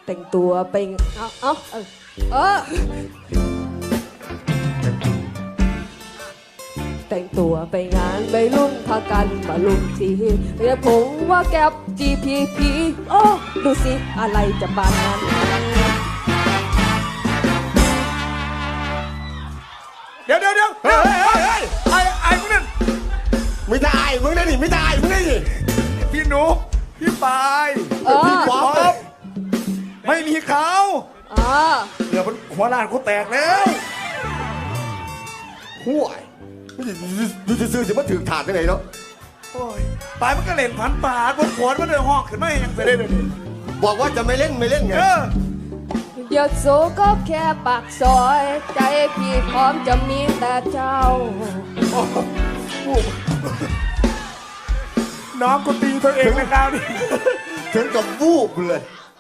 แต่งตัวไปแต่งตัวไปงานไปรุ่นพากันมาลุมทีเรียกผมว่าแก๊ป GPP โอ้ดูสิอะไรจะบานนั้นเดี๋ยวไอ้มึงนั่นไม่ได้มึงได้ดิไม่ได้มึงได้ดิพี่หนูพี่ปายพี่ป๊อปไม่มีเขา เดี๋ยวมันหัวล้านกูแตกแล้วห่วยดูซื่อๆจะมาถือถาดได้ไงเนาะโอ้ยปายมันก็เล่นผันป่าบนขวดมันเดินหอกขึ้นมายังจะได้เลยบอกว่าจะไม่เล่นไงเดี๋ยวโซก็แค่ปากซอย ใจพี่พร้อมจะมีแต่เจ้าน้องกูตีตัวเองในคราวนี้ถึงกับวูบเลย